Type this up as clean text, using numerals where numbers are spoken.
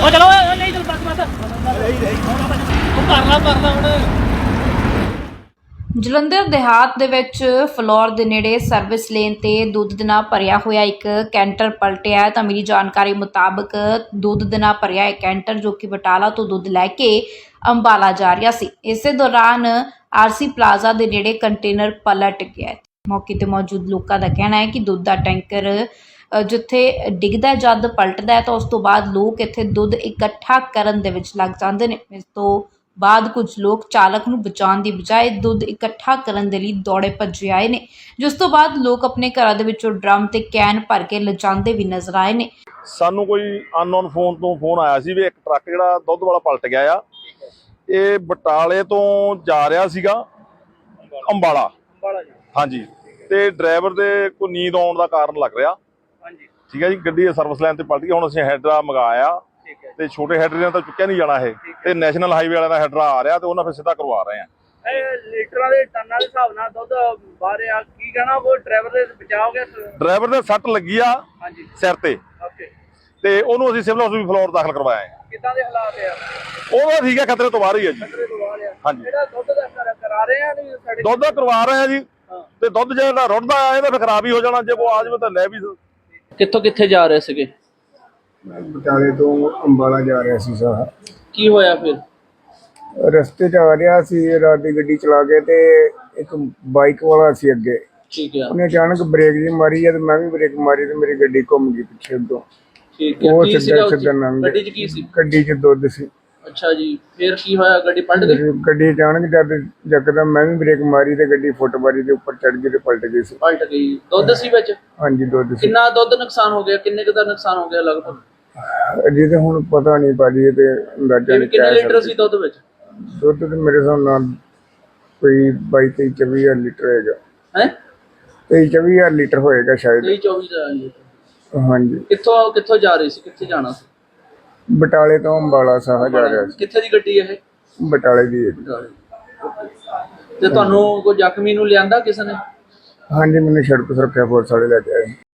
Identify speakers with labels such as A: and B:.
A: ਉਹ ਚਲੋ ਨਹੀਂ ਚਲ ਬਸ ਉਹ ਕਰ ਲਾ ਹੁਣ।
B: ਜਲੰਧਰ ਦੇਹਾਤ ਦੇ ਵਿੱਚ ਫਲੋਰ ਦੇ ਨੇੜੇ ਸਰਵਿਸ ਲੇਨ ਤੇ ਦੁੱਧ ਦੇ ਨਾਲ ਭਰਿਆ ਹੋਇਆ ਇੱਕ ਕੈਂਟਰ ਪਲਟਿਆ ਤਾਂ ਮਿਲੀ ਜਾਣਕਾਰੀ ਮੁਤਾਬਕ ਦੁੱਧ ਦੇ ਨਾਲ ਭਰਿਆ ਇੱਕ ਕੈਂਟਰ ਜੋ ਕਿ ਬਟਾਲਾ ਤੋਂ ਦੁੱਧ ਲੈ ਕੇ ਅੰਬਾਲਾ ਜਾ ਰਿਹਾ ਸੀ। ਇਸੇ ਦੌਰਾਨ ਆਰਸੀ ਪਲਾਜ਼ਾ ਦੇ ਨੇੜੇ ਕੰਟੇਨਰ ਪਲਟ ਗਿਆ। ਮੌਕੇ ਤੇ ਮੌਜੂਦ ਲੋਕਾਂ ਦਾ ਕਹਿਣਾ ਹੈ ਕਿ ਦੁੱਧ ਦਾ ਟੈਂਕਰ ਜਿੱਥੇ ਡਿੱਗਦਾ ਜਦ ਪਲਟਦਾ ਤਾਂ ਉਸ ਤੋਂ ਬਾਅਦ ਲੋਕ ਇੱਥੇ ਦੁੱਧ ਇਕੱਠਾ ਕਰਨ ਦੇ ਵਿੱਚ ਲੱਗ ਜਾਂਦੇ ਨੇ। ਇਸ ਤੋਂ ਬਾਅਦ ਕੁਝ ਲੋਕ ਚਾਲਕ ਨੂੰ ਬਚਾਉਣ ਦੀ ਬਜਾਏ ਦੁੱਧ ਇਕੱਠਾ ਕਰਨ ਦੇ ਲਈ ਦੌੜੇ ਭੱਜੇ ਆਏ ਨੇ, ਜਿਸ ਤੋਂ ਬਾਅਦ ਲੋਕ ਆਪਣੇ ਘਰਾਂ ਦੇ ਵਿੱਚੋਂ ਡਰਮ ਤੇ ਕੈਨ ਭਰ ਕੇ ਲਿਜਾਂਦੇ ਵੀ ਨਜ਼ਰ ਆਏ ਨੇ।
C: ਸਾਨੂੰ ਕੋਈ ਅਨਨੋਨ ਫੋਨ ਤੋਂ ਫੋਨ ਆਇਆ ਸੀ ਵੀ ਇੱਕ ਟਰੱਕ ਜਿਹੜਾ ਦੁੱਧ ਵਾਲਾ ਪਲਟ ਗਿਆ ਆ। ਇਹ ਬਟਾਲੇ ਤੋਂ ਜਾ ਰਿਹਾ ਸੀਗਾ ਅੰਬਾਲਾ। ਹਾਂਜੀ, ਤੇ ਡਰਾਈਵਰ ਦੇ ਕੋਈ ਨੀਂਦ ਆਉਣ ਦਾ ਕਾਰਨ ਲੱਗ ਰਿਹਾ। ਠੀਕ ਹੈ ਜੀ, ਗੱਡੀ ਸਰਵਿਸ ਲਾਈਨ ਤੇ ਪਲਟ ਗਈ। ਹੁਣ ਅਸੀਂ ਹੈਡਰਾ ਮੰਗਾਇਆ ਤੇ ਛੋਟੇ ਹੈਡਰੇ ਨਾਲ ਤਾਂ ਚੁੱਕਿਆ ਨਹੀਂ ਜਾਣਾ ਇਹ, ਤੇ ਨੈਸ਼ਨਲ ਹਾਈਵੇ ਵਾਲਿਆਂ ਦਾ ਹੈਡਰਾ ਆ ਰਿਹਾ ਤੇ ਉਹਨਾਂ ਫਿਰ ਸਿੱਧਾ ਕਰਵਾ ਰਹੇ ਆ।
A: ਲੀਟਰਾਂ ਦੇ ਟਨਾਂ ਦੇ ਹਿਸਾਬ ਨਾਲ ਦੁੱਧ ਬਾਹਰ ਆ, ਕੀ ਕਹਿਣਾ ਉਹ ਡਰਾਈਵਰ ਦੇ ਬਚਾਅ ਹੋ ਗਿਆ?
C: ਡਰਾਈਵਰ ਦੇ ਸੱਟ ਲੱਗੀ ਆ ਸਿਰ ਤੇ, ਤੇ ਉਹਨੂੰ ਅਸੀਂ ਸਿਵਲ ਹਸਪਤਾਲ ਫਲੋਰ ਦਾਖਲ ਕਰਵਾਇਆ ਹੈ।
A: ਕਿੱਦਾਂ ਦੇ ਹਾਲਾਤ ਆ?
C: ਉਹ ਠੀਕ ਹੈ, ਖਤਰੇ ਤੋਂ ਬਾਹਰ ਹੀ ਹੈ ਜੀ। ਹਾਂਜੀ,
A: ਜਿਹੜਾ ਦੁੱਧ ਦਾ ਕਰਾ ਰਹੇ ਆ ਨਹੀਂ
C: ਦੁੱਧ ਦਾ ਕਰਵਾ ਰਹੇ ਆ ਜੀ, ਤੇ ਦੁੱਧ ਜਿਹੜਾ ਰੁੜਦਾ ਆ ਇਹਦਾ ਫਿਰ ਖਰਾਬ ਹੀ ਹੋ ਜਾਣਾ। ਜੇ ਕੋਈ ਆ ਜਾਵੇ ਤਾਂ ਲੈ ਵੀ।
D: ਕਿੱਥੋਂ ਕਿੱਥੇ ਜਾ ਰਹੇ ਸੀਗੇ?
E: ਬਟਾਲੇ ਤੋਂ ਅੰਬਾਲਾ ਜਾ ਰਿਹਾ ਸੀ ਸਾਰਾ।
D: ਕੀ ਹੋਇਆ ਫਿਰ?
E: ਰਸਤੇ 'ਚ ਆ ਰਿਹਾ ਸੀ, ਰਾਤ ਦੀ ਗੱਡੀ ਚਲਾ ਕੇ ਤੇ ਇੱਕ ਬਾਈਕ ਵਾਲਾ ਸੀ ਅੱਗੇ।
D: ਠੀਕ ਹੈ,
E: ਉਹਨੇ ਅਚਾਨਕ ਬ੍ਰੇਕ ਜੀ ਮਾਰੀ ਤੇ ਮੈਂ ਵੀ ਬ੍ਰੇਕ ਮਾਰੀ ਤੇ ਮੇਰੀ ਗੱਡੀ ਘੁੰਮ ਗਈ ਪਿੱਛੇ ਤੋਂ।
D: ਠੀਕ ਹੈ।
E: ਉਹ
D: ਕੀ ਸੀਗਾ
E: ਸਿੱਧਾ ਲੰਘ ਗਿਆ।
D: ਗੱਡੀ 'ਚ ਕੀ ਸੀ?
E: ਗੱਡੀ 'ਚ ਦੁੱਧ ਸੀ।
D: ਅੱਛਾ ਜੀ, ਫਿਰ ਕੀ ਹੋਇਆ? ਗੱਡੀ ਪਲਟ ਗਈ?
E: ਗੱਡੀ ਅਚਾਨਕ ਜਦ ਯਕਦਮ ਮੈਂ ਵੀ ਬ੍ਰੇਕ ਮਾਰੀ ਤੇ ਗੱਡੀ ਫੁੱਟਬਾਰੀ ਦੇ ਉੱਪਰ ਚੜ ਗਈ ਤੇ ਪਲਟ ਗਈ ਸੀ।
D: ਪਲਟ ਗਈ। ਦੁੱਧ ਸੀ ਵਿੱਚ?
E: ਹਾਂਜੀ, ਦੁੱਧ ਸੀ।
D: ਕਿੰਨਾ ਦੁੱਧ ਨੁਕਸਾਨ ਹੋ ਗਿਆ? ਕਿੰਨੇ ਕੁ ਦਾ ਨੁਕਸਾਨ ਹੋ ਗਿਆ ਲਗਭਗ?
E: ਅਜੇ ਤਾਂ ਹੁਣ ਪਤਾ ਨਹੀਂ ਭਾਜੀ, ਤੇ ਅੰਦਾਜ਼ਾ ਨਹੀਂ।
D: ਕਿੰਨੇ ਲੀਟਰ ਸੀ ਦੁੱਧ ਵਿੱਚ?
E: ਦੁੱਧ ਤੇ ਮੇਰੇ ਹਿਸਾਬ ਨਾਲ ਕੋਈ 22-23 ਲੀਟਰ ਹੈਗਾ।
D: ਹੈ
E: 23-24 ਲੀਟਰ ਹੋਏਗਾ ਸ਼ਾਇਦ।
D: 24 ਦਾ ਲੀਟਰ।
E: ਹਾਂਜੀ।
D: ਕਿੱਥੋਂ ਜਾ ਰਹੀ ਸੀ? ਕਿੱਥੇ ਜਾਣਾ ਸੀ?
E: ਬਟਾਲੇ ਤੋਂ ਅੰਬਾਲਾ ਸਾਹ ਜਾ ਰਿਹਾ ਸੀ।
D: ਕਿੱਥੇ ਦੀ ਗੱਡੀ ਇਹ?
E: ਬਟਾਲੇ ਦੀ ਹੈ।
D: ਤੇ ਤੁਹਾਨੂੰ ਕੋਈ ਜ਼ਖਮੀ ਨੂੰ ਲਿਆਂਦਾ ਕਿਸੇ ਨੇ?
E: ਹਾਂਜੀ, ਮੈਨੂੰ ਸੜਕ ਸੁਰੱਖਿਆ ਫੋਰਸ ਵਾਲੇ ਲੈ ਕੇ ਆਏ।